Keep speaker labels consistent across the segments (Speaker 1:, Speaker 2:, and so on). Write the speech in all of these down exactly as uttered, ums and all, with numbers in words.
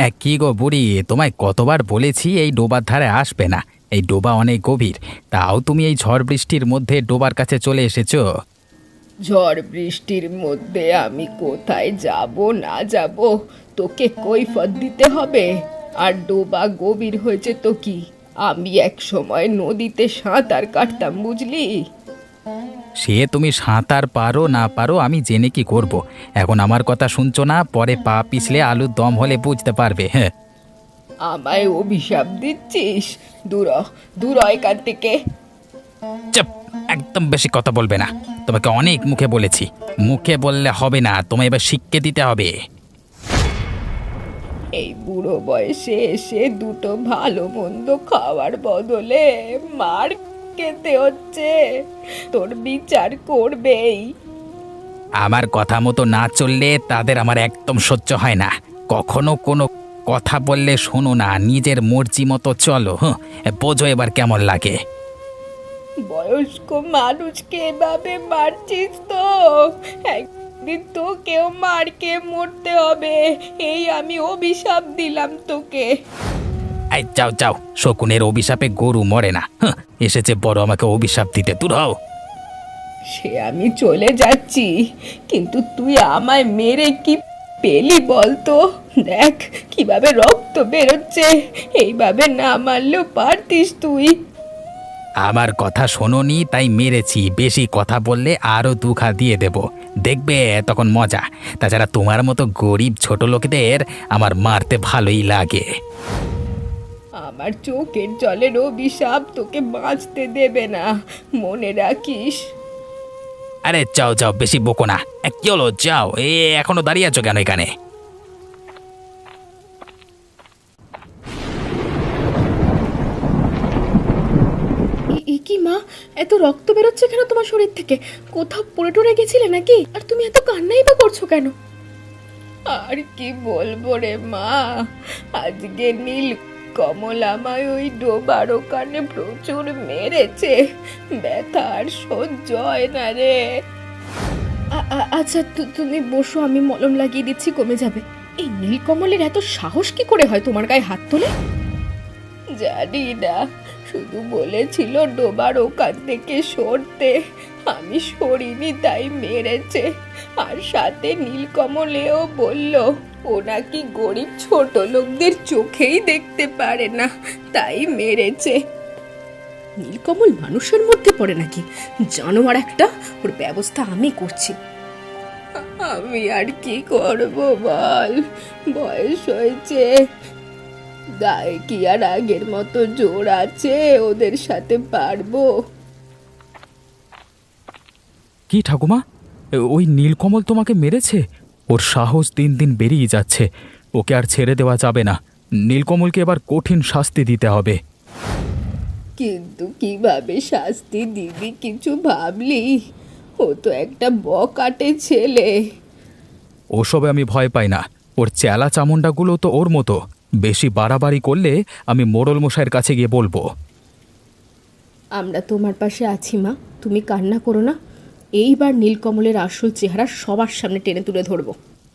Speaker 1: কি গো বুড়ি, তোমায় কতবার বলেছি এই ডোবার ধারে আসবে না। এই ডোবা অনেক গভীর, তাও তুমি এই ঝড় বৃষ্টির মধ্যে ডোবার কাছে চলে এসেছো।
Speaker 2: ঝড় বৃষ্টির মধ্যে আমি কোথায় যাব না যাব, তোকে কৈফত দিতে হবে। আর ডোবা গভীর হয়েছে তো কি, আমি এক সময় নদীতে সাঁতার কাটতাম, বুঝলি।
Speaker 1: সে তুমি সাঁতার পারো না পারো আমি জেনে কি করব। এখন আমার কথা শুনছো না, পরে পা পিছলে আলুর দম হলে বুঝতে পারবে। হ্যাঁ,
Speaker 2: আমায় অভিশাপ দিচ্ছিস? দূর হ, দূর হ এখান থেকে।
Speaker 1: চুপ, একদম বেশি কথা বলবে না। তোমাকে অনেক মুখে বলেছি, মুখে বললে হবে না, তোমায় এবার শিক্ষা দিতে হবে।
Speaker 2: এই বুড়ো বয়সে এসে দুটো ভালো মন্দ খাওয়ার বদলে মার খেতে হচ্ছে, তোর বিচার করবেই।
Speaker 1: আমার কথা মতো না চললে তাদের আমার একদম সহ্য হয় না। কখনো কোনো কথা বললে শোনো না, নিজের মর্জি মতো চলো। হ্যাঁ, বোঝো এবার কেমন লাগে।
Speaker 2: বয়স্ক মানুষকে এভাবে মারছিস তো, একদিন তোকেও মারকে মরতে হবে, এই আমি অভিশাপ দিলাম তোকে।
Speaker 1: এই যাও যাও, শকুনের অভিশাপে গরু মরে না। হ্যাঁ, এসেছে বড় আমাকে অভিশাপ দিতে, দূর হও।
Speaker 2: সে আমি চলে যাচ্ছি, কিন্তু তুই আমায় মেরে কি পেলি বলতো? দেখ কিভাবে রক্ত বেরোচ্ছে, এইভাবে না মারলেও পারতিস তুই।
Speaker 1: আমার কথা শোনোনি তাই মেরেছি, বেশি কথা বললে আরো দুখা দিয়ে দেব, দেখবে তখন মজা। তাছাড়া তোমার মতো গরিব ছোট লোকেদের আমার মারতে ভালোই লাগে।
Speaker 2: আমার চোখের জলের অভিশাপ তোকে বাঁচতে দেবে না, মনে রাখিস।
Speaker 1: আরে যাও যাও, বেশি বকো না। এ, কি হলো, যাও। এ এখনো দাঁড়িয়ে আছো কেন এখানে?
Speaker 2: এ- এ কি মা, এত রক্ত বেরোচ্ছে কেন তোমার শরীর থেকে? কোথাও পড়ে টরে গেছিলে নাকি? আর তুমি এত কান্নাই বা করছো কেন? আর কি বলবো রে মা, আজকে নীল কমল আমায় ওই ডোবার ওখানে প্রচুর মেরেছে, ব্যথা আর সহ্য হয় না রে। আ- আ- আচ্ছা তু- তুমি বসো, আমি মলম লাগিয়ে দিচ্ছি, কমে যাবে। এই নীলকমলের এত সাহস কি করে হয় তোমার গায়ে হাত তোলে? জানি না, শুধু বলেছিল ডোবার ওখান থেকে সরতে, আমি সরিনি তাই মেরেছে। আর সাথে নীলকমলেও বলল ও নাকি গরিব ছোট লোকদের চোখেই দেখতে পারে না, তাই মেরেছে। নীলকমল মানুষের মধ্যে পড়ে নাকি? জানোয়ার একটা, ওর ব্যবস্থা আমি করছি। আমি আর কি করব বল, বয়স হয়েছে, গায়ে কি আর আগের মতো জোর আছে ওদের সাথে পারবো?
Speaker 3: কি ঠাকুমা, ওই নীলকমল তোমাকে মেরেছে? ওর সাহস দিন দিন বেরিয়ে যাচ্ছে, ওকে আর ছেড়ে দেওয়া যাবে না। নীলকমলকে এবার কঠিন শাস্তি দিতে হবে।
Speaker 2: কিন্তু কিভাবে শাস্তি দিবি কিছু ভাবলি? ও তো একটা বকাটে ছেলে।
Speaker 3: ওসবে আমি ভয় পাই না, ওর চেলা চামুন্ডাগুলো তো ওর মতো। বেশি বাড়াবাড়ি করলে আমি মোড়ল মশাইয়ের কাছে গিয়ে বলবো।
Speaker 2: আমরা তোমার পাশে আছি মা, তুমি কান্না করো না। এইবার নীলকমলের আসল চেহারা সবার সামনে টেনে তুলে ধরবো।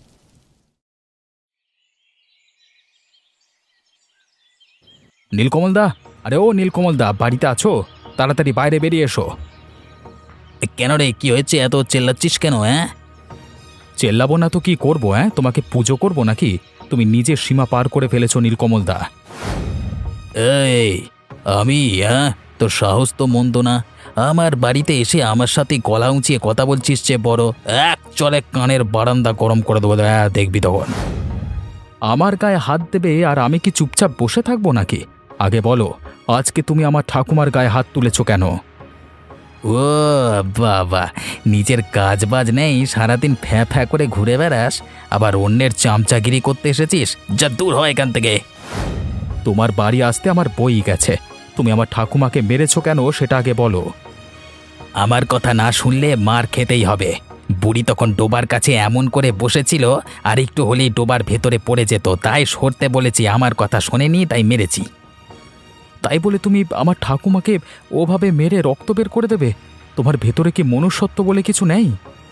Speaker 3: নীলকমল দা, আরে ও নীলকমল দা, বাড়িতে আছো? তাড়াতাড়ি বাইরে বেরিয়ে এসো।
Speaker 1: এ, কেন রে, কি হয়েছে? এত চেল্লাচ্ছিস কেন? হ্যাঁ,
Speaker 3: চেল্লাবো না তো কি করবো? হ্যাঁ, তোমাকে পুজো করবো নাকি? তুমি নিজের সীমা পার করে ফেলেছো নীলকমল দা।
Speaker 1: এই আমি, হ্যাঁ, তোর সাহস তো মন্দ না। আমার বাড়িতে এসে আমার সাথে গলা উঁচিয়ে কথা বলছিস, যে বড় এক চলে কানের বারান্দা গরম করে দেবো। হ্যাঁ, দেখবি তখন।
Speaker 3: আমার গায়ে হাত দেবে আর আমি কি চুপচাপ বসে থাকবো নাকি? আগে বলো, আজকে তুমি আমার ঠাকুমার গায়ে হাত তুলেছো কেন?
Speaker 1: ও বাবা, নিজের কাজ বাজ নেই, সারাদিন ফ্যাঁ ফ্যাঁ করে ঘুরে বেড়াস, আবার অন্যের চামচাগিরি করতে এসেছিস? যা দূর হয় এখান থেকে।
Speaker 3: তোমার বাড়ি আসতে আমার বই গেছে, তুমি আমার ঠাকুমাকে মেরেছো কেন সেটা আগে বলো।
Speaker 1: আমার কথা না শুনলে মার খেতেই হবে। বুড়ি তখন ডোবার কাছে এমন করে বসেছিল, আর একটু হলেই ডোবার ভেতরে পড়ে যেত, তাই সরতে বলেছি। আমার কথা শোনেনি তাই মেরেছি।
Speaker 3: তাই বলে তুমি আমার ঠাকুমাকে ওভাবে মেরে রক্ত বের করে দেবে? তোমার ভেতরে কি মনুষ্যত্ব বলে কিছু নেই?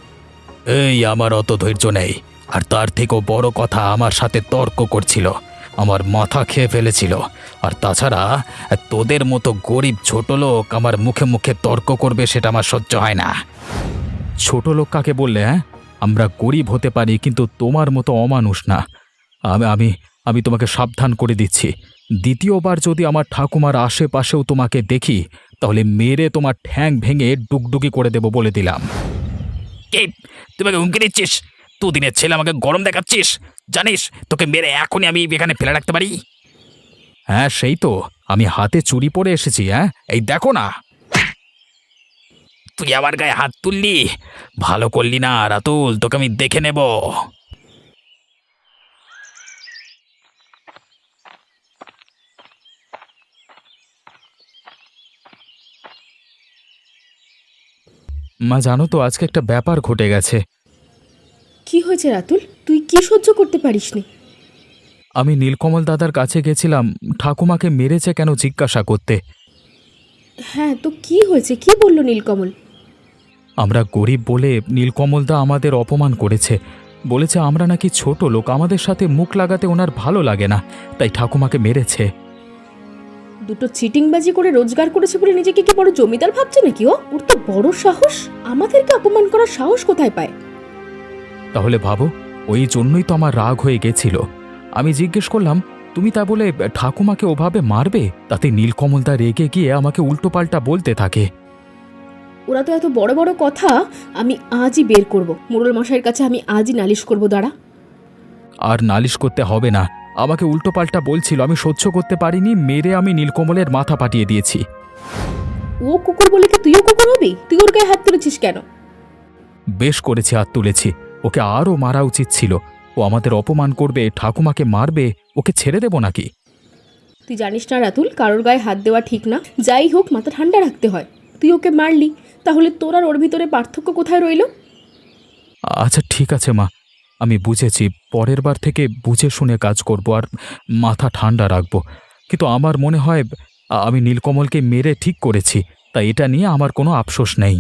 Speaker 1: এই, আমার অত ধৈর্য নেই। আর তার থেকেও বড় কথা, আমার সাথে তর্ক করছিল। আমার মাথা খেয়ে ফেলেছিল। আর তাছাড়া তোদের মতো গরিব ছোট লোক আমার মুখে মুখে তর্ক করবে সেটা আমার সহ্য হয় না।
Speaker 3: ছোট লোক কাকে বললে? হ্যাঁ, আমরা গরিব হতে পারি কিন্তু তোমার মতো অমানুষ না। আমি আমি আমি তোমাকে সাবধান করে দিচ্ছি, দ্বিতীয়বার যদি আমার ঠাকুমার আশেপাশেও তোমাকে দেখি তাহলে মেরে তোমার ঠ্যাং ভেঙে ডুগডুগি করে দেব বলে দিলাম।
Speaker 1: কে তুই আমাকে হুমকি দিচ্ছিস? দুদিনের ছেলে আমাকে গরম দেখাচ্ছিস? জানিস তোকে মেরে এখনই আমি এখানে ফেলে রাখতে পারি।
Speaker 3: হ্যাঁ সেই তো, আমি হাতে চুরি পরে এসেছি। হ্যাঁ এই দেখো না।
Speaker 1: তুই আমার গায়ে হাত তুললি, ভালো করলি না রাতুল, তোকে আমি দেখে নেব।
Speaker 3: মা জানো তো আজকে একটা ব্যাপার ঘটে গেছে।
Speaker 2: কি হয়েছে রাতুল? তুই কি সহ্য করতে পারিসনি?
Speaker 3: আমি নীলকমল দাদার কাছে গেছিলাম ঠাকুমাকে মেরেছে কেন জিজ্ঞাসা করতে।
Speaker 2: হ্যাঁ, তো কি হয়েছে? কি বললো নীলকমল?
Speaker 3: আমরা গরিব বলে নীলকমলদা আমাদের অপমান করেছে, বলেছে আমরা নাকি ছোট লোক, আমাদের সাথে মুখ লাগাতে ওনার ভালো লাগে না, তাই ঠাকুমাকে মেরেছে।
Speaker 2: দুটো চিটিংবাজি করে রোজগার করেছে বলে নিজেকে কি বড় জমিদার ভাবছে নাকি ও? ওর তো বড় সাহস, আমাদেরকে অপমান করার সাহস কোথায় পায়?
Speaker 3: তাহলে ভাবো, ওই জন্যই তো আমার রাগ হয়ে গেছিল। আমি জিজ্ঞেস করলাম তুমি তা বলে ঠাকুমাকে ওভাবে মারবে? তাতে নীলকমলদা রেগে গিয়ে আমাকে উল্টোপাল্টা বলতে থাকে।
Speaker 2: ওরা তো এত বড় বড় কথা, আমি আজই বের করব, মোড়ল মশাইয়ের কাছে আমি আজই নালিশ করব। দাঁড়া।
Speaker 3: আর নালিশ করতে হবে না, আমাকে উল্টোপাল্টা বলছিল, আমি সহ্য করতে পারিনি, মেরে আমি নীলকমলের মাথা পাঠিয়ে দিয়েছি।
Speaker 2: ও কুকুর বলে কি তুইও কুকুর হবি? তুই ওর গায়ে হাত তুলেছিস কেন?
Speaker 3: বেশ করেছি, হাত তুলেছি। ওকে আরও মারা উচিত ছিল। ও আমাদের অপমান করবে, ঠাকুমাকে মারবে, ওকে ছেড়ে দেব নাকি?
Speaker 2: তুই জানিস না রাতুল, কারোর গায়ে হাত দেওয়া ঠিক না। যাই হোক, মাথা ঠান্ডা রাখতে হয়। তুই ওকে মারলি, তাহলে তোর আর ওর ভিতরে পার্থক্য কোথায় রইল?
Speaker 3: আচ্ছা ঠিক আছে মা, আমি বুঝেছি, পরের বার থেকে বুঝে শুনে কাজ করব আর মাথা ঠান্ডা রাখব। কিন্তু আমার মনে হয় আমি নীলকমলকে মেরে ঠিক করেছি, তাই এটা নিয়ে আমার কোনো আফসোস নেই।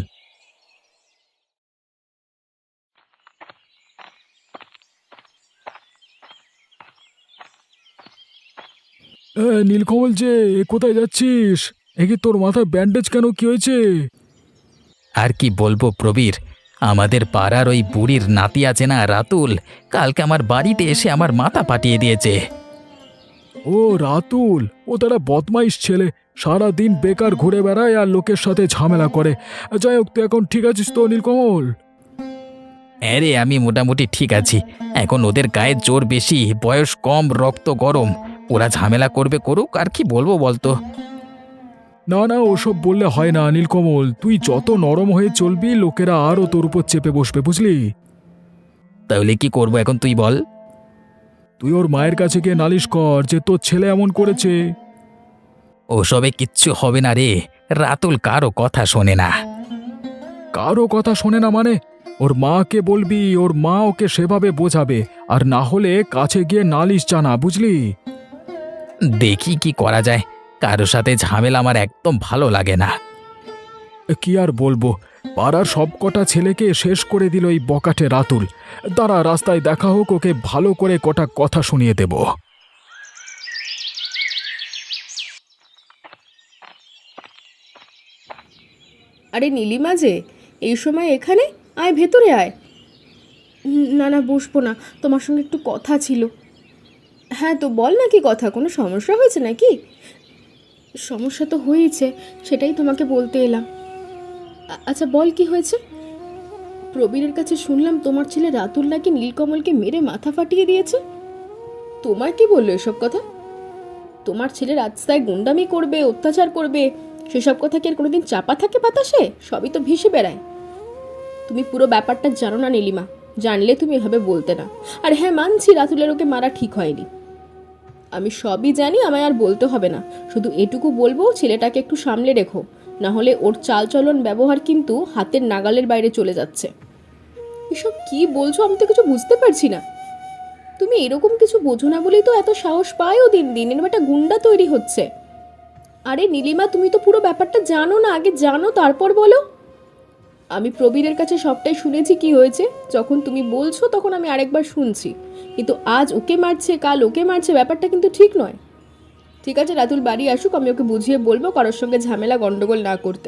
Speaker 3: নীলকমল যে, কোথায় যাচ্ছিস? এ কি তোর মাথায় ব্যান্ডেজ কেন, কি হয়েছে?
Speaker 1: আর কি বলবো প্রবীর, আমাদের পাড়ার ওই বুড়ির নাতি আছে না রাতুল, কালকে আমার বাড়িতে এসে আমার মাথা পাঠিয়ে দিয়েছে।
Speaker 3: ও রাতুল, ও তারা বদমাইশ ছেলে, সারা দিন বেকার ঘুরে বেড়ায় আর লোকের সাথে ঝামেলা করে। যাই হোক, তুই এখন ঠিক আছিস তো নীলকমল?
Speaker 1: হ্যাঁ রে, আমি মোটামুটি ঠিক আছি। এখন ওদের গায়ে জোর বেশি, বয়স কম, রক্ত গরম। ওরা ঝামেলা করবে করুক, আর কি বলবো বলতো।
Speaker 3: না না, ওসব বললে হয় না নীলকমল, তুই যত নরম হয়ে চলবি লোকেরা আরও তোর উপর চেপে বসবে, বুঝলি?
Speaker 1: তাহলে কি করবো এখন তুই বল?
Speaker 3: তুই ওর মায়ের কাছে গিয়ে নালিশ কর যে তোর ছেলে এমন করেছে।
Speaker 1: ওসবে কিচ্ছু হবে না রে, রাতুল কারো কথা শোনে না।
Speaker 3: কারো কথা শোনে না মানে? ওর মাকে বলবি, ওর মা ওকে সেভাবে বোঝাবে, আর না হলে কাছে গিয়ে নালিশ জানা, বুঝলি?
Speaker 1: দেখি কি করা যায়, কারো সাথে ঝামেলা আমার একদম ভালো লাগে না।
Speaker 3: কি আর বলবো, পাড়ার সব কটা ছেলেকে শেষ করে দিল এই বকাটে রাতুল। দাঁড়া, রাস্তায় দেখা হোক, ওকে ভালো করে কটা কথা শুনিয়ে দেব।
Speaker 2: আরে নীলিমা যে, এই সময় এখানে? আয় ভেতরে আয়। না না, বসবো না, তোমার সঙ্গে একটু কথা ছিল। হ্যাঁ তো বল না, কি কথা? কোনো সমস্যা হয়েছে নাকি? সমস্যা তো হয়েছে, সেটাই তোমাকে বলতে এলাম। আচ্ছা বল, কি হয়েছে? প্রবীরের কাছে শুনলাম তোমার ছেলে রাতুল নাকি নীলকমলকে মেরে মাথা ফাটিয়ে দিয়েছে। তোমার কি বললো এসব কথা? তোমার ছেলে রাস্তায় গুন্ডামি করবে, অত্যাচার করবে, সেসব কথা কি আর কোনোদিন চাপা থাকে বাতাসে? সবই তো ভেসে বেড়ায়। তুমি পুরো ব্যাপারটা জানো না নীলিমা, জানলে তুমি এভাবে বলতে না। আর হ্যাঁ, মানছি রাতুলের ওকে মারা ঠিক হয়নি, আমি সবই জানি, আমায় আর বলতে হবে না। শুধু এটুকু বলবো, ছেলেটাকে একটু সামলে রেখো, না হলে ওর চালচলন ব্যবহার কিন্তু হাতের নাগালের বাইরে চলে যাচ্ছে। এসব কি বলছো? আমি তো কিছু বুঝতে পারছি না। তুমি এরকম কিছু বোঝো না বলেই তো এত সাহস পায়ও দিন দিন, এরকম একটা গুন্ডা তৈরি হচ্ছে। আরে নীলিমা, তুমি তো পুরো ব্যাপারটা জানো না, আগে জানো তারপর বলো। আমি প্রবীরের কাছে সবটাই শুনেছি কি হয়েছে। যখন তুমি বলছো তখন আমি আরেকবার শুনছি, কিন্তু আজ ওকে মারছে কাল ওকে মারছে, ব্যাপারটা কিন্তু ঠিক নয়। ঠিক আছে, রাতুল বাড়ি আসুক, আমি ওকে বুঝিয়ে বলবো কারোর সঙ্গে ঝামেলা গন্ডগোল না করতে।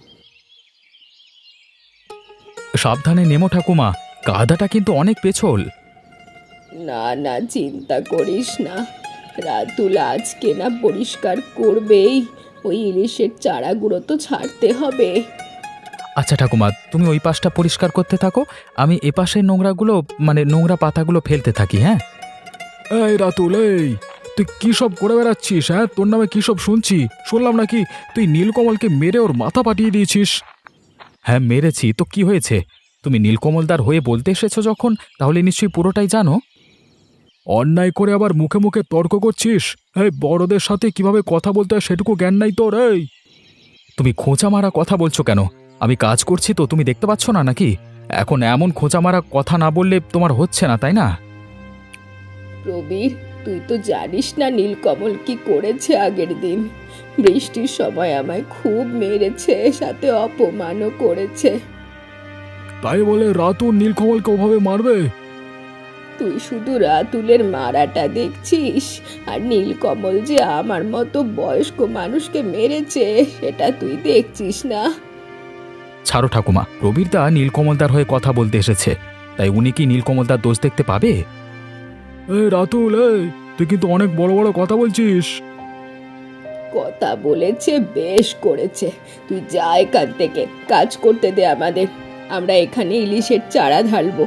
Speaker 3: সাবধানে নেমো ঠাকুমা, কাদাটা কিন্তু অনেক পেছল।
Speaker 2: না না, চিন্তা করিস না, রাতুল আজকে না পরিষ্কার করবেই। ওই ইলিশের চারাগুলো তো ছাড়তে হবে।
Speaker 3: আচ্ছা ঠাকুমা, তুমি ওই পাশটা পরিষ্কার করতে থাকো, আমি এ পাশের নোংরাগুলো মানে নোংরা পাতাগুলো ফেলতে থাকি। হ্যাঁ। এই রাতুল, এই তুই কি সব করে বেড়াচ্ছিস? হ্যাঁ, তোর নামে কি সব শুনছি? শুনলাম নাকি তুই নীলকমলকে মেরে ওর মাথা পাঠিয়ে দিয়েছিস। হ্যাঁ মেরেছি তো, কি হয়েছে? তুমি নীলকমলদার হয়ে বলতে এসেছো যখন, তাহলে নিশ্চয়ই পুরোটাই জানো। অন্যায় করে আবার মুখে মুখে তর্ক করছিস? এই বড়দের সাথে কিভাবে কথা বলতে হয় সেটুকু জ্ঞান নাই তোর? এই তুমি খোঁচা মারা কথা বলছো কেন? আমি কাজ করছি তো, তুমি দেখতে পাচ্ছ না নাকি? এখন এমন খোঁচা মারা কথা না বললে তোমার হচ্ছে না, তাই না?
Speaker 2: প্রবীর, তুই তো জানিস না নীলকমল কি করেছে আগের দিন। বৃষ্টির সময় আমায় খুব মেরেছে, সাথে অপমানও করেছে।
Speaker 3: তাই বলে রাতুল নীলকমলকে ওভাবে মারবে?
Speaker 2: তুই শুধু রাতুলের মারাটা দেখছিস, আর নীলকমল যে আমার মতো বয়স্ক মানুষকে মেরেছে সেটা তুই দেখছিস না।
Speaker 3: ছাড়ো ঠাকুমা, প্রবীরদা নীলকমলদার হয়ে কথা বলতে এসেছে, তাই উনি কি নীলকমলদার দোষ দেখতে পাবে? এই রাতুল, এই তুই কিন্তু অনেক বড় বড় কথা বলছিস।
Speaker 2: কথা বলেছে, বেশ করেছে। তুই যা এখান থেকে, কাজ করতে দে আমাদের। আমরা এখানে ইলিশের চারা ঢালবো।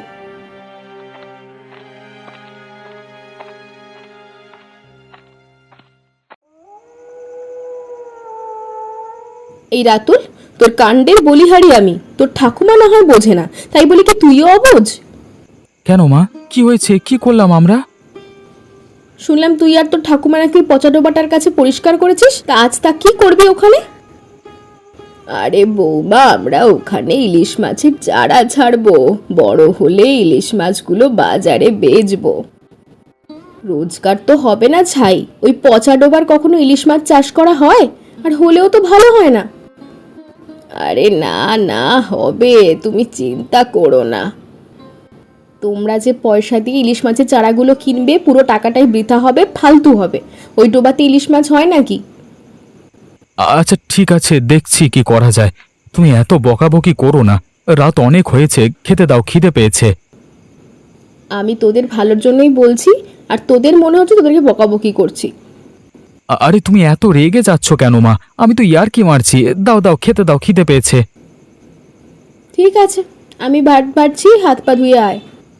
Speaker 2: এই রাতুল, তোর কাণ্ডের বলিহারি আমি। তোর ঠাকুমা না হয় বোঝে না, তাই বলি কি তুইও অবোঝ?
Speaker 3: কেন মা, কি হয়েছে? কি করলাম আমরা?
Speaker 2: শুনলাম তুই আর তোর ঠাকুমা নাকি পচা ডোবাটার কাছে পরিষ্কার করেছিস, তা আজ তা কি করবি ওখানে? আরে বৌমা, আমরা ওখানে ইলিশ মাছের চারা ছাড়বো, বড় হলে ইলিশ মাছগুলো বাজারে বেচবো। রোজগার তো হবে না ছাই, ওই পচা ডোবার কখনো ইলিশ মাছ চাষ করা হয়? আর হলেও তো ভালো হয় না। আরে না না, হবে, তুমি চিন্তা করো না। তোমরা যে পয়সা দিয়ে ইলিশ মাছের চারাগুলো কিনবে, পুরো টাকাটাই বৃথা হবে, ফালতু হবে। ওই ডোবাতে ইলিশ মাছ হয় নাকি?
Speaker 3: আচ্ছা ঠিক আছে, দেখছি কি করা যায়। তুমি এত বকাবকি করো না, রাত অনেক হয়েছে, খেতে দাও, খিদে পেয়েছে।
Speaker 2: আমি তোদের ভালোর জন্যই বলছি, আর তোদের মনে হচ্ছে তোদেরকে বকাবকি করছি।
Speaker 3: আ- আরে তুমি এত রেগে যাচ্ছ কেন মা? আমি তো ইয়ার কি মারছি। দাও দাও, খেতে দাও, খিদে পেয়েছে।
Speaker 2: ঠিক আছে, আমি ভাত বাড়ছি, হাত পা ধুয়ে আয়।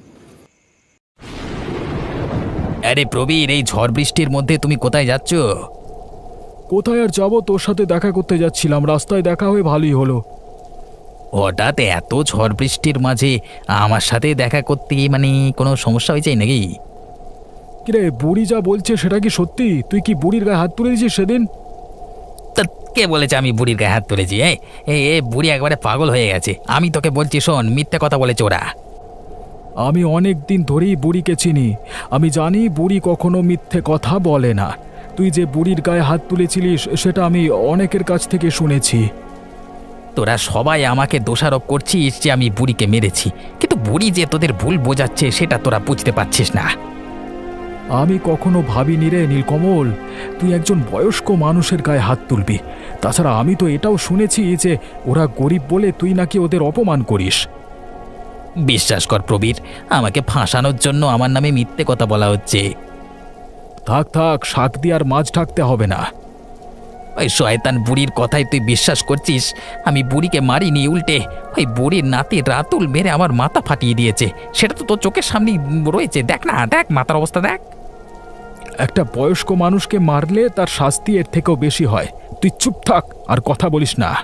Speaker 1: আরে প্রবীর, এই ঝড় বৃষ্টির মধ্যে তুমি কোথায় যাচ্ছ?
Speaker 3: কোথায় আর যাবো, তোর সাথে দেখা করতে যাচ্ছিলাম, রাস্তায় দেখা হয়ে ভালোই হলো।
Speaker 1: হঠাৎ এত ঝড় বৃষ্টির মাঝে আমার সাথে দেখা করতে গিয়ে মানে কোনো সমস্যা হয়েছে নাকি?
Speaker 3: কিরে, বুড়ি যা বলছে সেটা কি সত্যি? তুই কি বুড়ির গায়ে হাত তুলে দিয়েছিস সেদিন?
Speaker 1: তা কে বলেছে আমি বুড়ির গায়ে হাত তুলেছি? এই এই এ বুড়ি একবারে পাগল হয়ে গেছে। আমি তোকে বলছি শোন, মিথ্যে কথা বলেছে ওরা।
Speaker 3: আমি অনেক দিন ধরেই বুড়িকে চিনি, আমি জানি বুড়ি কখনো মিথ্যে কথা বলে না। তুই যে বুড়ির গায়ে হাত তুলেছিলিস সেটা আমি অনেকের কাছ থেকে শুনেছি।
Speaker 1: তোরা সবাই আমাকে দোষারোপ করছিস যে আমি বুড়িকে মেরেছি, কিন্তু বুড়ি যে তোদের ভুল বোঝাচ্ছে সেটা তোরা বুঝতে পারছিস না।
Speaker 3: আমি কখনো ভাবিনি রে নীলকমল, তুই একজন বয়স্ক মানুষের গায়ে হাত তুলবি। তাছাড়া আমি তো এটাও শুনেছি যে ওরা গরিব বলে তুই নাকি ওদের অপমান করিস।
Speaker 1: বিশ্বাস কর প্রবীর, আমাকে ফাঁসানোর জন্য আমার নামে মিথ্যে কথা বলা হচ্ছে।
Speaker 3: থাক থাক, শাক দিয়ে আর মাছ ঢাকতে হবে না।
Speaker 1: ওই শয়তান বুড়ির কথাই তুই বিশ্বাস করছিস? আমি বুড়িকে মারিনি, উল্টে ওই বুড়ির নাতি রাতুল মেরে আমার মাথা ফাটিয়ে দিয়েছে। সেটা তো তোর চোখের সামনেই রয়েছে, দেখ না, দেখ মাথার অবস্থা দেখ।
Speaker 3: একটা বয়স্ক মানুষকে মারলে তার শাস্তি এর থেকেও বেশি হয়। তুই চুপ থাক, আর কথা বলিস না।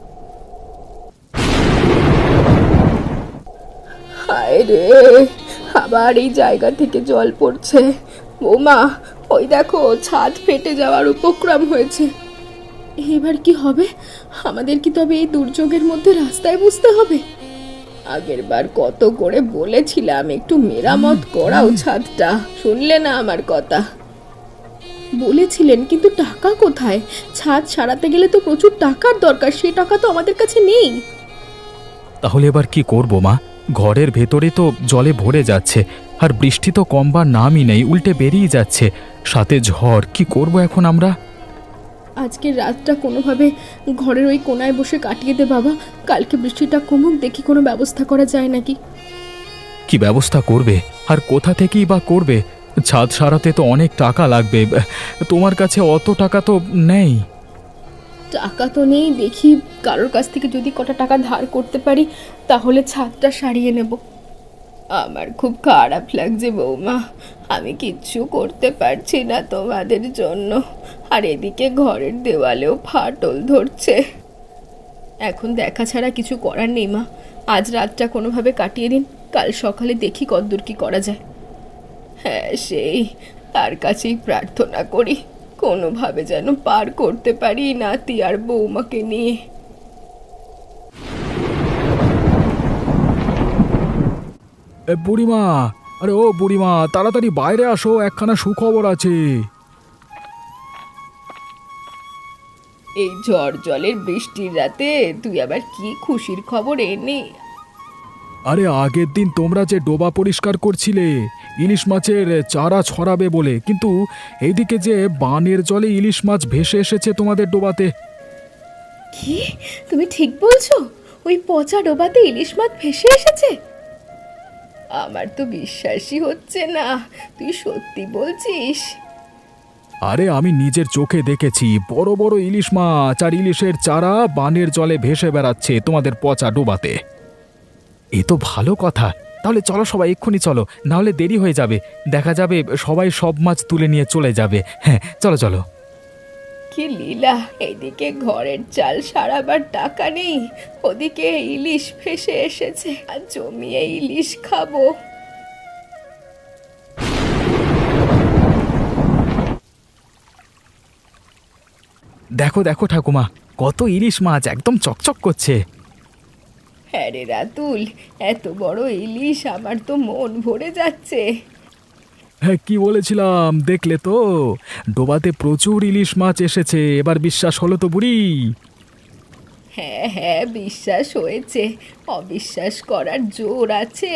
Speaker 2: হায় রে, আবার এই জায়গা থেকে জল পড়ছে। বৌমা, ওই দেখো, ছাদ ফেটে যাওয়ার উপক্রম হয়েছে। এবার কি হবে আমাদের? কি তবে এই দুর্যোগের মধ্যে রাস্তায় বুঝতে হবে? আগের বার কত করে বলেছিলাম একটু মেরামত করাও ছাদটা, শুনলে না আমার কথা? বলেছিলেন, কিন্তু টাকা কোথায়? ছাদ সারাতে গেলে তো প্রচুর টাকার দরকার, সেই টাকা তো আমাদের কাছে নেই।
Speaker 3: তাহলে এবার কি করব মা? ঘরের ভেতরে তো জলে ভরে যাচ্ছে, আর বৃষ্টি তো কমবার নামই নেই, উল্টে বেরিয়ে যাচ্ছে, সাথে ঝড়। কি করব এখন আমরা?
Speaker 2: আজকের রাতটা কোনোভাবে ঘরের ওই কোনায় বসে কাটিয়ে দে বাবা। কালকে বৃষ্টিটা কমুক, দেখি কোনো ব্যবস্থা করা যায় নাকি।
Speaker 3: কি ব্যবস্থা করবে? আর কোথা থেকেই বা করবে? ছাদ সারাতে তো অনেক টাকা লাগবে, তোমার কাছে অত টাকা তো নেই।
Speaker 2: টাকা তো নেই, দেখি কারোর কাছ থেকে যদি কটা টাকা ধার করতে পারি তাহলে ছাদটা সারিয়ে নেব। আমার খুব খারাপ লাগছে বৌমা, আমি কিচ্ছু করতে পারছি না তোমাদের জন্য, আর এদিকে ঘরের দেওয়ালেও ফাটল ধরছে। এখন দেখা ছাড়া কিছু করার নেই মা, আজ রাতটা কোনোভাবে কাটিয়ে দিন, কাল সকালে দেখি কতদূর কি করা যায়। হ্যাঁ, সেই তার কাছেই প্রার্থনা করি কোনোভাবে যেন পার করতে পারি নাতি আর বৌমাকে নিয়ে।
Speaker 3: এ বুড়িমা, আরে ও বুড়িমা, তাড়াতাড়ি বাইরে আসো, একখানা সুখবর আছে।
Speaker 2: এই ঝড় জলের বৃষ্টির রাতে তুই আবার কি খুশির খবর এনে?
Speaker 3: আরে আগের দিন তোমরা যে ডোবা পরিষ্কার করছিলে ইলিশ মাছের চারা ছড়াবে বলে, কিন্তু এইদিকে যে বানের জলে ইলিশ মাছ ভেসে এসেছে তোমাদের ডোবাতে।
Speaker 2: কি তুমি ঠিক বলছো? ওই পচা ডোবাতে ইলিশ মাছ ভেসে এসেছে? আমার তো বিশ্বাসই হচ্ছে না, তুই সত্যি বলছিস?
Speaker 3: আরে আমি নিজের চোখে দেখেছি, বড় বড় ইলিশ মাছ আর ইলিশের চারা বানের জলে ভেসে বেড়াচ্ছে তোমাদের পচা ডোবাতে। এ তো ভালো কথা, তাহলে চলো সবাই এক্ষুনি চলো, না হলে দেরি হয়ে যাবে, দেখা যাবে সবাই সব মাছ তুলে নিয়ে চলে যাবে। হ্যাঁ চলো চলো।
Speaker 2: কি লীলা, এদিকে ঘরের চাল সারাবার টাকা নেই, ওদিকে ইলিশ ভেসে এসেছে, আর জমিয়ে ইলিশ খাবো।
Speaker 3: দেখো দেখো ঠাকুমা, কত ইলিশ মাছ, একদম চকচক করছে।
Speaker 2: হ্যাঁ রে রাতুল, এত বড় ইলিশ, আমার তো মন ভরে যাচ্ছে।
Speaker 3: হ্যাঁ কি বলেছিলাম দেখলে তো, ডোবাতে প্রচুর ইলিশ মাছ এসেছে, এবার বিশ্বাস হলো তো বুড়ি?
Speaker 2: হ্যাঁ হ্যাঁ, বিশ্বাস হয়েছে, অবিশ্বাস করার জোর আছে?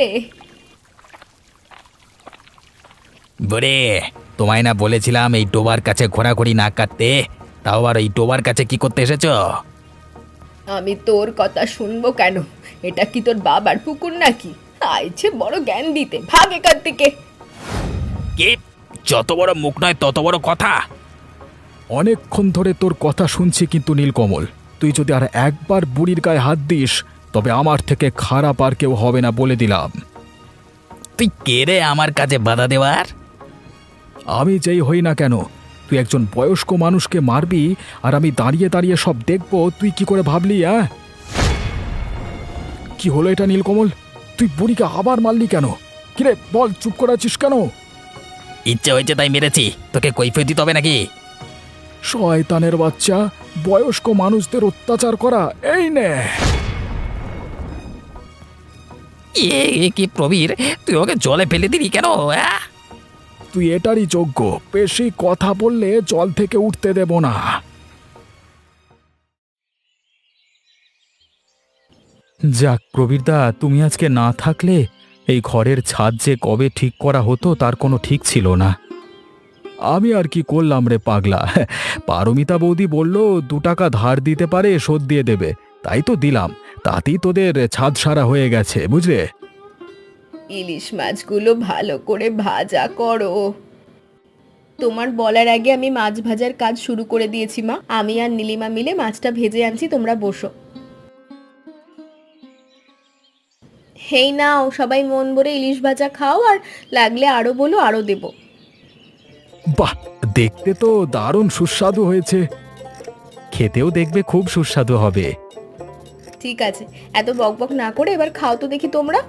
Speaker 1: বরে, তোমায় না বলেছিলাম এই ডোবার কাছে ঘোরাঘুরি না কাটতে, তাও আর এই ডোবার কাছে কি করতে এসেছো?
Speaker 2: আমি তোর কথা শুনবো কেন? এটা কি তোর বাবার পুকুর নাকি? আইছে বড় জ্ঞান দিতে, ভাগ এখান থেকে।
Speaker 1: কি? যত বড় মুখ নয় তত বড় কথা।
Speaker 3: অনেকক্ষণ ধরে তোর কথা শুনছি, কিন্তু নীলকমল, তুই যদি আর একবার বুড়ির গায়ে হাত দিস তবে আমার থেকে খারাপ আর কেউ হবে না, বলে দিলাম।
Speaker 1: তুই কে রে আমার কাছে বাধা দেওয়ার?
Speaker 3: আমি যেই হই না কেন, তুই একজন বয়স্ক মানুষকে মারবি আর আমি দাঁড়িয়ে দাঁড়িয়ে সব দেখব, তুই কি করে ভাবলি? হ্যাঁ কি হলো এটা নীলকমল, তুই বুড়িকে আবার মারলি কেন? কিরে বল, চুপ করে আছিস কেন?
Speaker 1: ইচ্ছে হয়েছে তাই মেরেছি, তোকে কৈফিয়ত দিতে হবে নাকি?
Speaker 3: শয়তানের বাচ্চা, বয়স্ক মানুষদের অত্যাচার করা, এই নে।
Speaker 1: এ এ কি প্রবীর, তুই ওকে জলে ফেলে দিলি কেন? আহ!
Speaker 3: তুই এটারই যোগ্য, বেশি কথা বললে জল থেকে উঠতে দেব না। যাক প্রবীরদা, তুমি আজকে না থাকলে এই ঘরের ছাদ যে কবে ঠিক করা হতো তার কোনো ঠিক ছিল না। আমি আর কি করলাম রে পাগলা, পারমিতা বৌদি বলল দু টাকা ধার দিতে পারে, শোধ দিয়ে দেবে, তাই তো দিলাম, তাতেই তোদের ছাদ সারা হয়ে গেছে, বুঝলে?
Speaker 2: ইলিশ মাছগুলো ভালো করে ভাজা করো। তোমার বলার আগে আমি মাছ ভাজার কাজ শুরু করে দিয়েছি মা, আমি আর নীলিমা মিলে মাছটা ভেজে আনছি, তোমরা বসো। হেই নাও, সবাই মন ভরে ইলিশ ভাজা খাও, আর লাগলে আরো বলো, আরো দেবো।
Speaker 3: বাহ, দেখতে তো দারুণ সুস্বাদু হয়েছে, খেতেও দেখবে খুব সুস্বাদু হবে।
Speaker 2: ঠিক আছে, এত বকবক না করে এবার খাও তো দেখি তোমরা।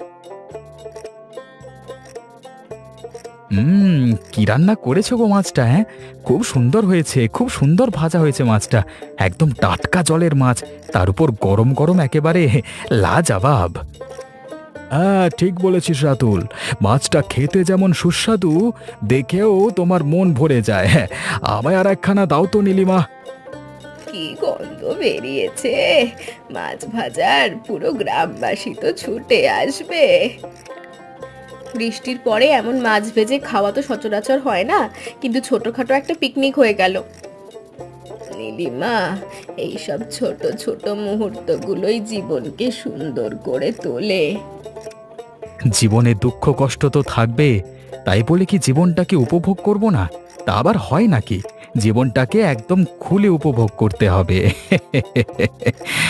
Speaker 3: হুম, কি রান্না করেছো গো মাছটা? হ্যাঁ খুব সুন্দর হয়েছে, খুব সুন্দর ভাজা হয়েছে মাছটা, একদম টাটকা জলের মাছ, তার উপর গরম গরম, একেবারে লাজবাব। হ্যাঁ ঠিক বলেছিস রাতুল, মাছটা খেতে যেমন সুস্বাদু, দেখেও তোমার মন ভরে যায়। হ্যাঁ, আমায় আর একখানা দাও তো নীলিমা।
Speaker 2: কি গন্ধ বেরিয়েছে! মাছ ভাজার পুরো গ্রামবাসী তো ছুটে আসবে। বৃষ্টির পরে এমন মাছ ভেজে খাওয়া তো সচরাচর হয় না, কিন্তু ছোটখাটো একটা পিকনিক হয়ে গেল। নীলিমা, এইসব ছোট ছোট মুহূর্তগুলোই জীবনকে সুন্দর করে তোলে।
Speaker 3: জীবনে দুঃখ কষ্ট তো থাকবে, তাই বলে কি জীবনটাকে উপভোগ করব না? তা আবার হয় নাকি? জীবনটাকে একদম খুলে উপভোগ করতে হবে।